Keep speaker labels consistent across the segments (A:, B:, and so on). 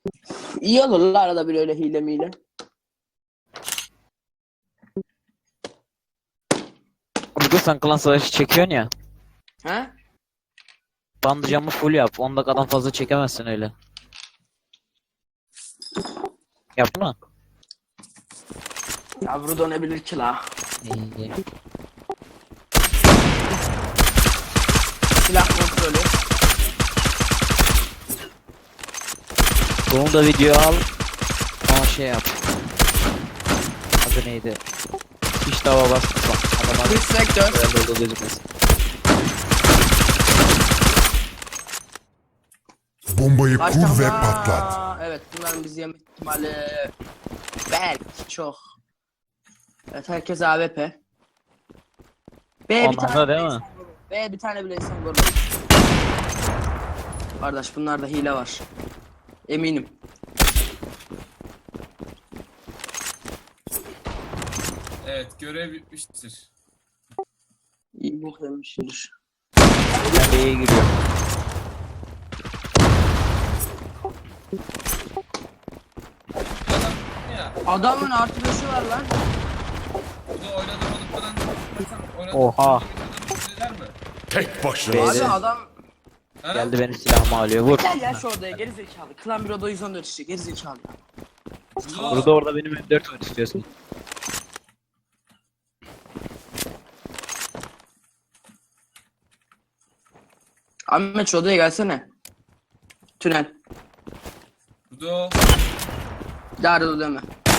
A: İyi olur la arada bir öyle hile miyle.
B: Burada sen klan savaşı çekiyorsun ya.
A: He?
B: Bandı camı full yap. 10 dakikadan fazla çekemezsin öyle. Yaptın mı?
A: Yavru dönebilir ki la.
B: İyi.
A: Silah kontrolü.
B: Bunu da video al. Ama şey yap. Adı neydi? Hiç dava basma. Adamlar
A: Dış sektör.
B: böyle oldu gözükmesin.
C: Bombayı
A: Kaç
C: kur
A: tane
C: ve
A: daha?
C: patlat.
A: Evet, bunların bizi yeme ihtimali belki çok. Evet, herkes AWP. B bir
B: Onlar
A: tane
B: da değil
A: bile
B: mi?
A: insan vurur. B bir tane bile insan vurur. Kardeş, bunlarda hile var. Eminim.
D: Evet, görev bitmiştir.
A: İyi bok yemiştir.
B: Ben B'ye giriyorum.
D: Adam ya,
A: Adamın artı 5'i var lan.
D: bu da oynadığı olduklarından oynadığı
B: Oha.
D: söyler mi?
C: Tek başına.
B: B'de.
A: Abi adam
D: Ha?
B: Geldi benim silahımı alıyor. Vur.
A: gel ya şu odaya, geri zekalı. Klan bir oda 114 işte, geri zekalı ya.
B: Burada orada benim M4 var istiyorsun.
A: Ahmet şu odaya gelsene. Tünel.
D: Bu da o.
A: Darı deme.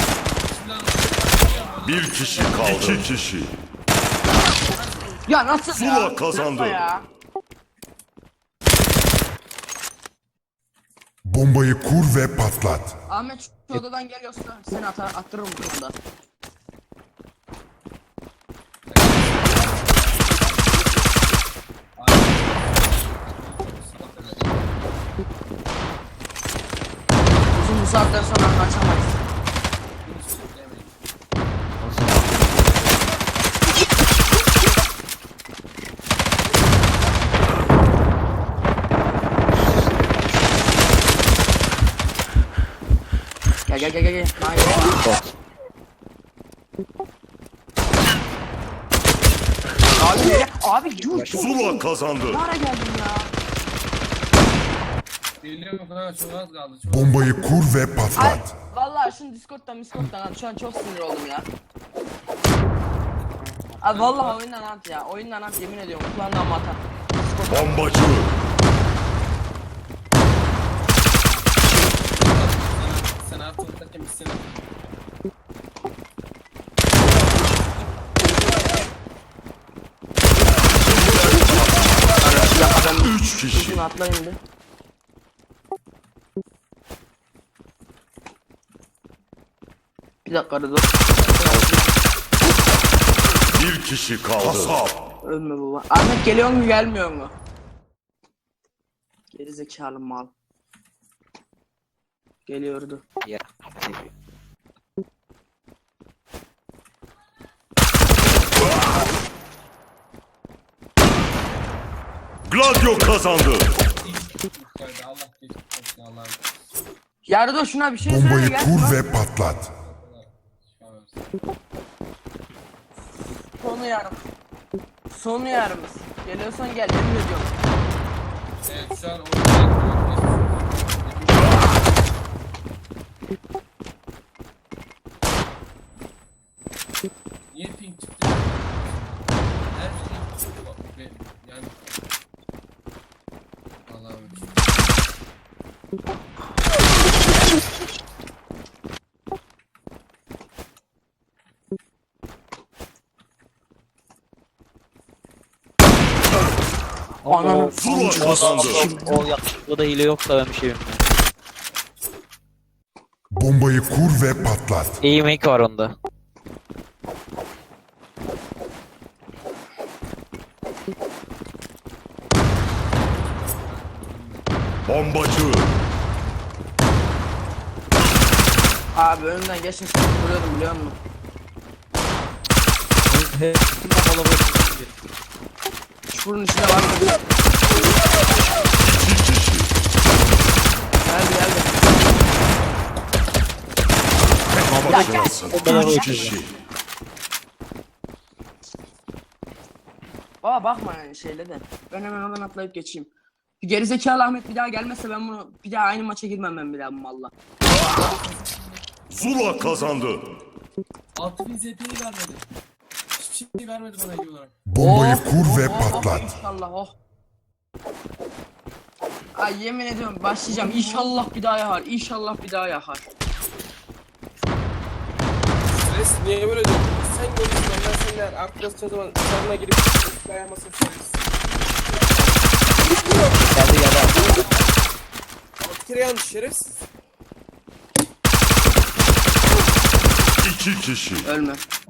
C: Bir kişi kaldı. İki kişi.
A: Ya nasıl
C: Zula
A: ya?
C: kazandı.
A: Nasıl ya?
C: Bombayı kur ve patlat.
A: Ahmet şu odadan geliyorsa seni attırırım bu konuda. Uzun bu saatten sonra kaçamayız. Gel. Hayır. Abi nereye? Abi yuh.
C: Zula kazandı.
A: Ne ara geldin ya?
D: Geliyorum ha, çok az kaldı. Çok
C: Bombayı kur ve
A: Ay,
C: patlat.
A: vallahi şunu Discord'dan abi şu an çok sinir oldum ya. Abi vallahi oyundan at ya. Oyundan at, yemin ediyorum. Kulağından mı atar?
C: Bombacı.
D: sen artık ortak yemişsin.
C: Üç kişi.
A: Uzun atlayın bir. Bir dakika arada.
C: Bir kişi kaldı. Kasap.
A: Ölme baba. Ahmet geliyor mu gelmiyor mu? Geri zekalı mal. Geliyordu.
B: Ya.
C: Gladio kazandı.
D: Allah geçmiş olsun Allah'ım.
A: Yardo şuna bir şey söyle
C: Bombayı
A: gel.
C: kur ve patlat.
A: Sonu yarım. Sonu yarımız. Geliyorsan gel, emin ediyorum.
D: Evet, şu an oyunda niye ping çıktı? Her şey yani Allah'ım.
A: Ananı
C: Zula kazandı.
B: O yakışıklı da hile yoksa ben bir şey bilmiyorum.
C: Bombayı kur ve patlat.
B: İyi make var onda.
C: Bombacı.
A: Abi önünden geçin seni vuruyordum biliyor musun? Çukurun içinde var mı?
C: İki kişi.
A: Geldi.
B: bombaları
C: Üç
B: uçacak.
C: kişi.
A: Baba bakma yani şeyle de. Ben hemen oradan atlayıp geçeyim. Bir gerizekalı Ahmet bir daha gelmezse ben bunu bir daha aynı maça girmem ben bir daha bu malla.
C: Zula kazandı.
D: 6000 ZP'yi vermedi. Hiçbir şey vermedi bana iyi olarak.
C: Bombayı kur ve patlat.
A: İnşallah Ay yemin ediyorum başlayacağım. İnşallah bir daha yakar. İnşallah bir daha yakar.
E: Stres niye böyle diyorsun? Sen görürsün ben seninle arkadaşlar zaman sarına girip dayanmasın stres.
B: Geldi abi.
E: 6 kere yanlış şerefsiz.
C: 2 kişi.
A: Ölme.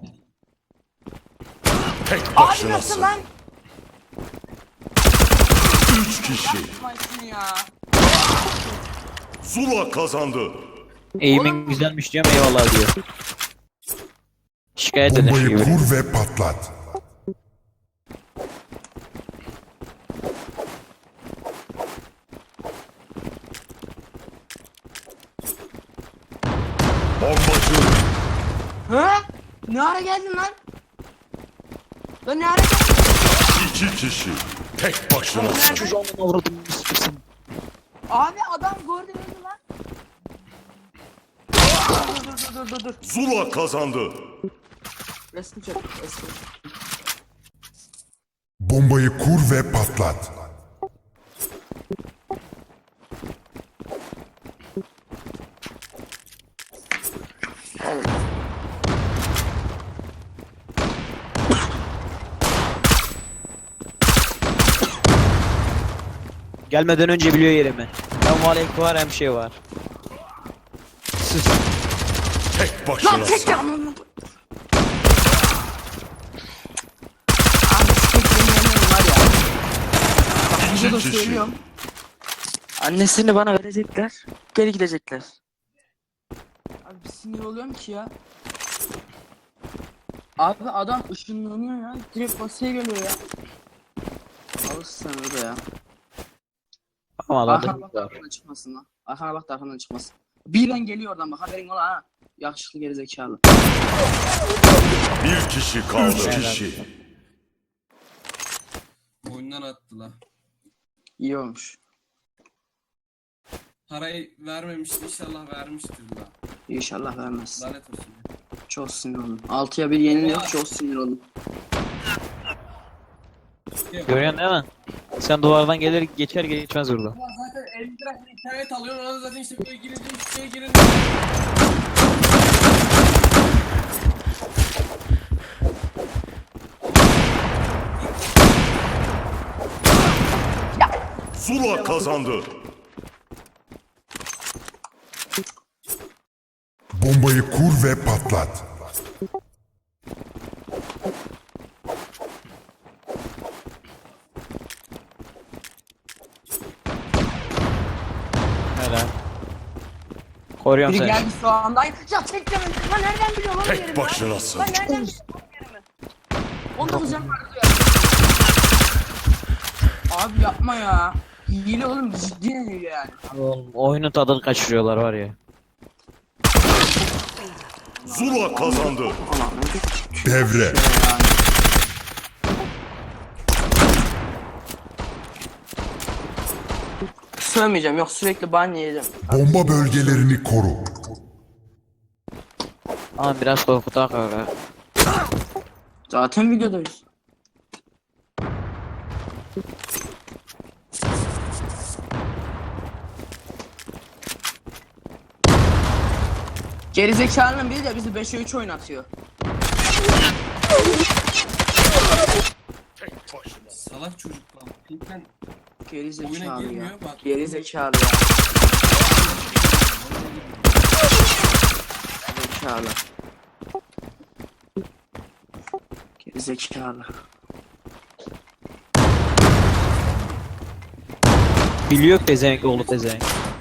C: Tek
A: Abi nasıl
C: başınasın.
A: lan?
C: 3 kişi.
A: Yapmayın ya.
C: Zula kazandı.
B: Eğimin güzelmiş diyorum eyvallah diyor. Şikayet eder
C: Bombayı
B: gibi.
C: kur ve patlat. Bombacı.
A: Ha? Ne ara geldin lan? Lan ne ara geldin?
C: 2 kişi. Tek başınasın.
B: Çocuğumun avradını sıkırsın.
A: Abi adam gördü beni lan. Dur.
C: Zula kazandı.
A: Resmi çek. Resmi.
C: Bombayı kur ve patlat.
B: Gelmeden önce biliyor yerimi. Hem valek var hem şey var. Sus.
C: Tek
A: Lan
C: başınasın.
A: tek yanını. Abi sikeyim var ya. Bak bize de
C: İki kişi.
A: söylüyorum. Annesini bana verecekler. Geri gidecekler. Abi bir sinir oluyorum ki ya. Abi adam ışınlanıyor ya. Direkt basaya geliyor ya. Alırsın sen öyle ya.
B: Ama
A: Arkana
B: adam
A: bak da arkandan çıkmasın lan. Arkana bak da arkandan çıkmasın. Birden geliyor oradan bak haberin ola ha. Yakışıklı gerizekalı.
C: Bir kişi kaldı. 3
B: Helal.
C: kişi.
D: Oyundan attılar.
A: İyi olmuş.
D: Parayı vermemişti inşallah vermiştir la.
A: İnşallah vermez.
D: Lanet olsun.
A: Çok sinir oldum. 6'ya 1 yeniliyor çok sinir oldum.
B: görüyorsun değil mi? Sen duvardan gelir geçer geçmez burada.
D: Ulan zaten 50 lira internet alıyorsun ona zaten işte böyle girince hiçbir şeye girince.
C: Zula kazandı. Bombayı kur ve patlat.
B: Helal. Koruyorum
A: Biri
B: seni.
A: geldi şu anda. Ya tek canım. Lan nereden biliyor lan
C: Tek
A: yerimi?
C: başınasın.
A: Lan nereden biliyor lan yerimi? 19 canım vardı ya. Abi yapma ya. Hile oğlum ciddi hile yani.
B: Oğlum, oyunun tadını kaçırıyorlar var ya.
C: Zula kazandı.
A: Ulan ne
C: Devre.
A: yani. Sövmeyeceğim yok sürekli ban yiyeceğim.
C: Bomba bölgelerini koru.
B: Ama biraz korkutak öyle.
A: Zaten videodayız. Gerizekalının biri de bizi 5'e 3 oynatıyor.
D: Salak çocuk lan. Pink'ten Oyuna
A: Gerizekalı
D: girmiyor,
A: ya.
D: bak.
A: Gerizekalı ya. Gerizekalı. Gerizekalı.
B: Biliyor pezevenk oğlu pezevenk.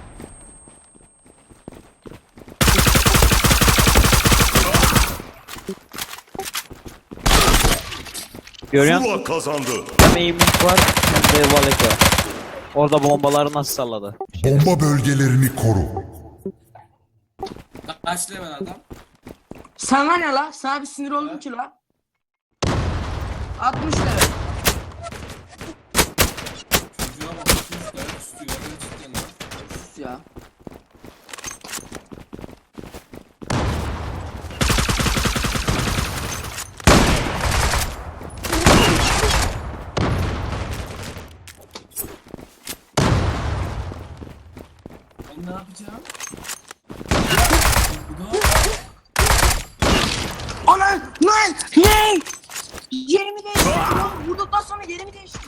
B: Görüyor musun?
C: Zula kazandı.
B: Hem eğimlik var hem de valek var. Orada bombaları nasıl salladı?
C: Bomba bölgelerini koru.
D: kaç level adam?
A: Sana ne la? Sana bir sinir oldum ki la. 60 lira.
D: Çocuğa bak 200 tane tutuyor. Gerçekten lan.
A: Sus ya.
D: Ben ne yapacağım? Bu da
A: Ana lan ne? Yerimi değiştirdim oğlum. Vurduktan sonra yerimi değiştirdim.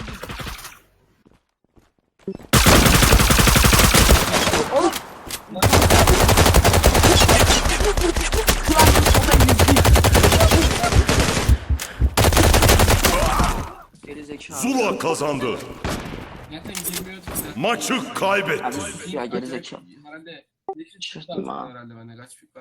A: Oğlum. Geri zekalı.
C: Zula kazandı.
D: zaten girmiyorduk zaten.
C: Maçı kaybetti.
A: Abi ya geri zekalı.
D: Herhalde.
A: Şaşırdım ha.
D: Herhalde bende kaç